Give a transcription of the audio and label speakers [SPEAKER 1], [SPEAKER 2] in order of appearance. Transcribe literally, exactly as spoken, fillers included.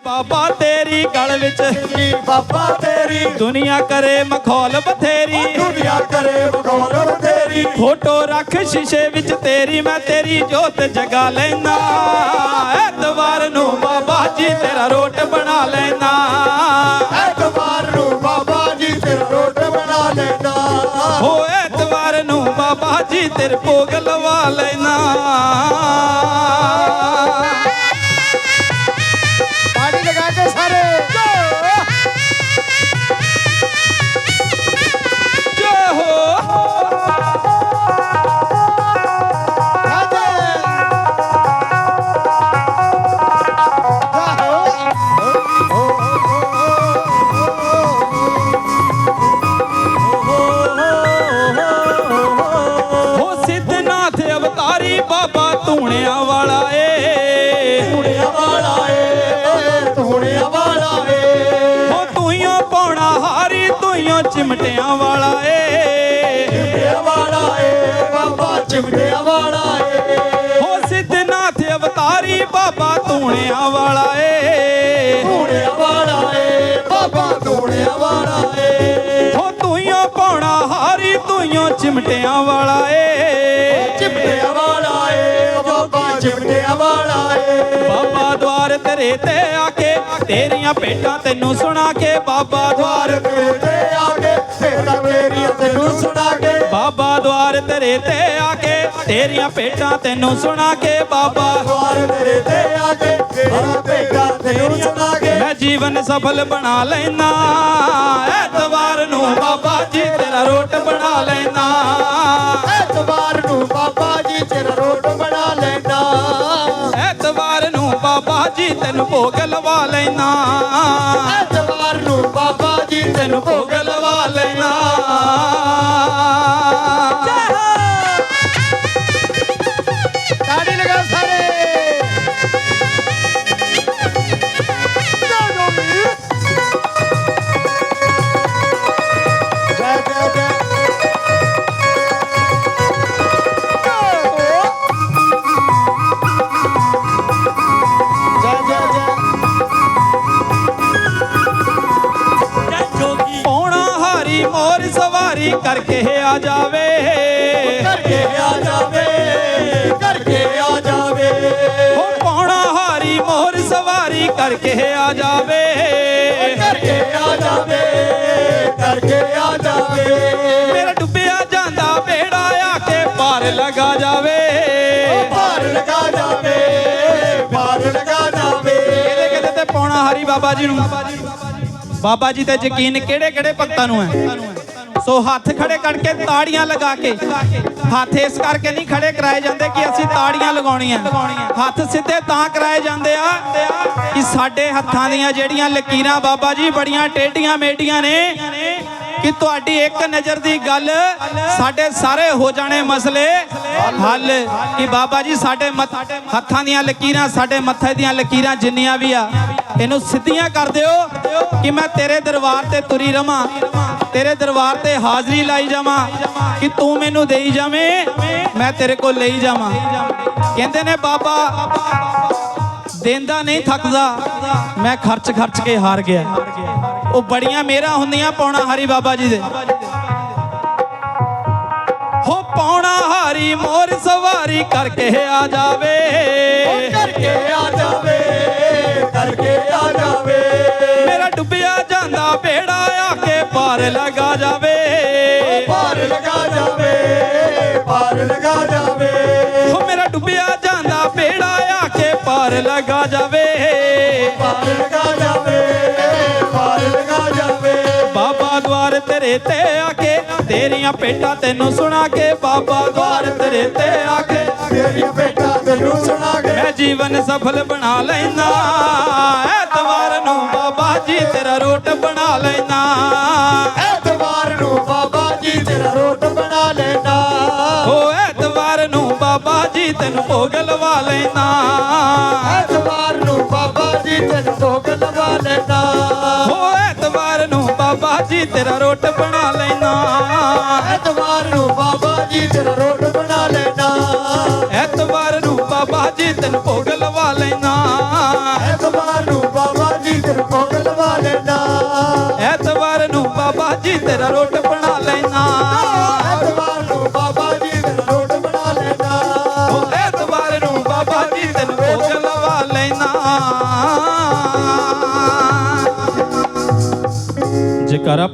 [SPEAKER 1] बाबा तेरी गल विच
[SPEAKER 2] बाबा तेरी
[SPEAKER 1] दुनिया करे मखौल बथेरी
[SPEAKER 2] दुनिया करे मखौल बथेरी
[SPEAKER 1] फोटो रख शीशे विच तेरी मैं तेरी जोत जगा लेना ऐतवार नू बाबा जी तेरा रोट बना लेना
[SPEAKER 2] ऐतवार नू बाबा जी तेरा रोट बना लेना
[SPEAKER 1] हो ऐतवार नू बाबा जी तेरे भोग लवा लेना
[SPEAKER 2] ताड़ी लगा के सारे
[SPEAKER 1] जय हो हो सिद्धनाथ अवतारी बाबा धूणिया वाला ए
[SPEAKER 2] धूणिया वाला ए धूणिया वाला ए
[SPEAKER 1] हो तूइयों पौना हारी तूइयों चिमटिया वाला ए
[SPEAKER 2] चिमटिया वाला ए बाबा चिमटिया वाला ए
[SPEAKER 1] हो सिद्धनाथ अवतारी बाबा धूणिया वाला ए
[SPEAKER 2] धूणिया वाला ए बाबा धूणिया वाला ए
[SPEAKER 1] हो तूइयों पौना हारी तूइयों चिमटिया वाला ए
[SPEAKER 2] चिमटिया वाला ए बाबा चिमटिया वाला ए
[SPEAKER 1] बाबा द्वार तेरे ते आके तेरियां भेटां तैनू सुना के बाबा द्वार
[SPEAKER 2] तेरे ते आके तेरा मेरी तेनू सुना के
[SPEAKER 1] बाबा द्वार तेरे ते आके तेरियां भेटां तैनू सुना के बाबा
[SPEAKER 2] द्वार तेरे ते आके तेरा बेटा तेनू सुना के
[SPEAKER 1] मैं जीवन सफल बना लेना ऐतवार नू बाबा जी तेरा रोट बना लेना
[SPEAKER 2] ऐतवार नू बाबा जी तेरा रोट बना लेना
[SPEAKER 1] ऐतवार नू बाबा जी तैनू भोग लवा लेना
[SPEAKER 2] ऐतवार नू बाबा जी
[SPEAKER 1] तैनू भोग लवा लेना
[SPEAKER 2] ताड़ी लगा सारे जय जय जय जय जय जय
[SPEAKER 1] पौना हारी मोर सवारी करके आ जावे
[SPEAKER 2] करके आ जावे करके आ जावे
[SPEAKER 1] हो पौना हारी मोर सवारी करके आ जावे
[SPEAKER 2] करके आ जावे करके आ जावे
[SPEAKER 1] मेरा डुੱਬਿਆ ਜਾਂਦਾ बेड़ा आके पार लगा जावे
[SPEAKER 2] पार लगा जावे पार लगा जावे
[SPEAKER 1] ਕਿਹਦੇ ਕਿਹਦੇ ਤੇ ਪੌਣਾ ਹਾਰੀ ਬਾਬਾ ਜੀ ਨੂੰ ਬਾਬਾ ਜੀ ਤੇ ਯਕੀਨ ਕਿਹੜੇ ਕਿਹੜੇ ਭਗਤਾਂ ਨੂੰ ਹੈ ਸੋ ਹੱਥ ਖੜੇ ਕਰਕੇ ਤਾੜੀਆਂ ਲਗਾ ਕੇ ਹੱਥ ਇਸ ਕਰਕੇ ਨਹੀਂ ਖੜੇ ਕਰਾਏ ਜਾਂਦੇ ਕਿ ਅਸੀਂ ਤਾੜੀਆਂ ਲਗਾਉਣੀਆਂ ਹੱਥ ਸਿੱਧੇ ਤਾਂ ਕਰਾਏ ਜਾਂਦੇ ਆ ਕਿ ਸਾਡੇ ਹੱਥਾਂ ਦੀਆਂ ਜਿਹੜੀਆਂ ਲਕੀਰਾਂ ਬਾਬਾ ਜੀ ਬੜੀਆਂ ਟੇਢੀਆਂ ਮੇਢੀਆਂ ਨੇ ਕਿ ਤੁਹਾਡੀ ਇੱਕ ਨਜ਼ਰ ਦੀ ਗੱਲ ਸਾਡੇ ਸਾਰੇ ਹੋ ਜਾਣੇ ਮਸਲੇ ਹੱਲ ਕਿ ਬਾਬਾ ਜੀ ਸਾਡੇ ਹੱਥਾਂ ਦੀਆਂ ਲਕੀਰਾਂ ਸਾਡੇ ਮੱਥੇ ਦੀਆਂ ਲਕੀਰਾਂ ਜਿੰਨੀਆਂ ਵੀ ਆ ਇਹਨੂੰ ਸਿੱਧੀਆਂ ਕਰ ਦਿਓ ਕਿ ਮੈਂ ਤੇਰੇ ਦਰਬਾਰ ਤੇ ਤੁਰੀ ਰਵਾਂ ਤੇਰੇ ਦਰਬਾਰ ਤੇ ਹਾਜ਼ਰੀ ਲਾਈ ਜਾਵਾਂ ਕਿ ਤੂੰ ਮੈਨੂੰ ਦੇਈ ਜਾਵੇਂ ਮੈਂ ਤੇਰੇ ਕੋਲ ਲਈ ਜਾਵਾਂ ਕਹਿੰਦੇ ਨੇ ਬਾਬਾ ਦੇਂਦਾ ਨਹੀਂ ਥੱਕਦਾ ਮੈਂ ਖਰਚ ਖਰਚ ਕੇ ਹਾਰ ਗਿਆ ਉਹ ਬੜੀਆਂ ਮੇਰਾ ਹੁੰਦੀਆਂ ਪੌਣਾ ਹਾਰੀ ਬਾਬਾ ਜੀ ਦੇ ਹੋ ਪੌਣਾ ਹਾਰੀ ਮੋਰ ਸਵਾਰੀ ਕਰਕੇ ਆ ਜਾਵੇ
[SPEAKER 2] करके आ जावे करके आ जावे
[SPEAKER 1] ਮੇਰਾ ਡੁੱਬਿਆ ਜਾਂਦਾ ਬੇੜਾ ਆ ਕੇ ਪਾਰ ਲਗਾ ਜਾਵੇ
[SPEAKER 2] पार लगा जावे पार लगा जावे
[SPEAKER 1] ਹੋ ਮੇਰਾ ਡੁੱਬਿਆ ਜਾਂਦਾ ਬੇੜਾ ਆ ਕੇ ਪਾਰ ਲਗਾ ਜਾਵੇ
[SPEAKER 2] पार लगा जावे पार लगा जावे
[SPEAKER 1] ਬਾਬਾ द्वार तेरे ते आके तेरियां भेटां तैनू सुना के बाबा द्वार तेरे ते आके
[SPEAKER 2] तेरी बेटा तेनू सुना के
[SPEAKER 1] मैं जीवन सफल बना लेना ऐतवार नू बाबा जी तेरा रोट बना लेना
[SPEAKER 2] ऐतवार नू बाबा जी तेरा रोट बना लेना
[SPEAKER 1] ओ ऐतवार नू बाबा जी तेनू भोग लवा लेना
[SPEAKER 2] ऐतवार नू बाबा जी तेनू भोग लगा लेना
[SPEAKER 1] ओ ऐतवार नू बाबा जी तेरा रोट बना लेना
[SPEAKER 2] ऐतवार नू बाबा जी तेरा रोट बना लेना
[SPEAKER 1] ऐतवार नू बाबा जी तेनू भोग लवा लेना
[SPEAKER 2] ऐतवार नू बाबा
[SPEAKER 1] ਜੀ ਤੇਰਾ ਰੋਟ ਬਣਾ ਲੈਣਾ
[SPEAKER 2] ਐਤਵਾਰ ਨੂੰ ਬਾਬਾ ਜੀ ਤੇਰਾ ਰੋਟ ਬਣਾ ਲੈਣਾ
[SPEAKER 1] ਉਹ ਐਤਵਾਰ ਨੂੰ ਬਾਬਾ ਜੀ ਤੈਨੂੰ ਭੋਗ ਲਵਾ ਲੈਣਾ ਜੇਕਰ